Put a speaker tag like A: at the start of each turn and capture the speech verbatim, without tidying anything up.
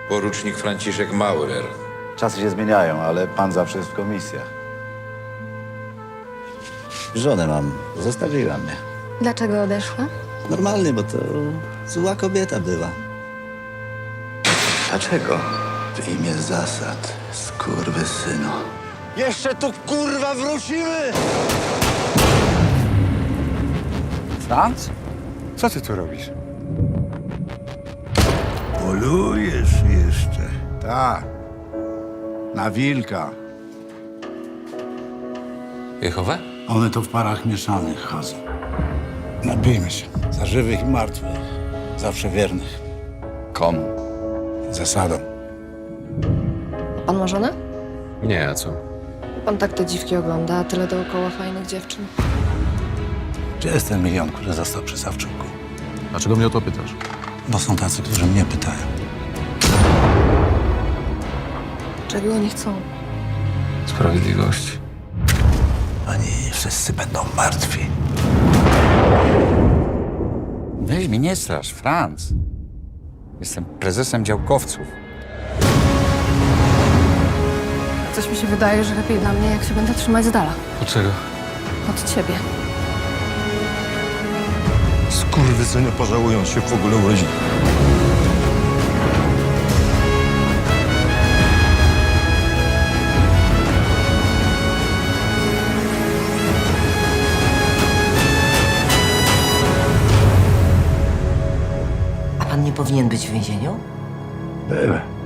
A: Porucznik Franciszek Maurer.
B: Czasy się zmieniają, ale pan zawsze jest w komisjach. Żonę mam. Zostawiła mnie.
C: Dlaczego odeszła?
B: Normalnie, bo to zła kobieta była. Dlaczego? W imię zasad, skurwysynu. Jeszcze tu, kurwa, wrócimy!
D: Franz? Co ty tu robisz?
E: Polujesz jeszcze.
D: Tak. Na wilka.
A: Jehowę?
E: One to w parach mieszanych chodzą. Nabijmy się. Za żywych i martwych. Zawsze wiernych.
D: Komu?
E: Zasadą.
C: Pan ma żonę?
A: Nie, a co?
C: Pan tak te dziwki ogląda, a tyle dookoła fajnych dziewczyn.
E: Gdzie jest ten milion, który został przy Sawczuku?
F: Dlaczego mnie o to pytasz?
E: Bo są tacy, którzy mnie pytają.
C: Czego oni chcą?
A: Sprawiedliwości.
E: Oni wszyscy będą martwi.
D: Weź mi nie strasz, Franz. Jestem prezesem działkowców.
C: Coś mi się wydaje, że lepiej dla mnie, jak się będę trzymać z dala.
A: Dlaczego?
C: Od ciebie.
E: Skurwysyny pożałują się w ogóle urodzili.
G: A pan nie powinien być w więzieniu?
E: Byłem.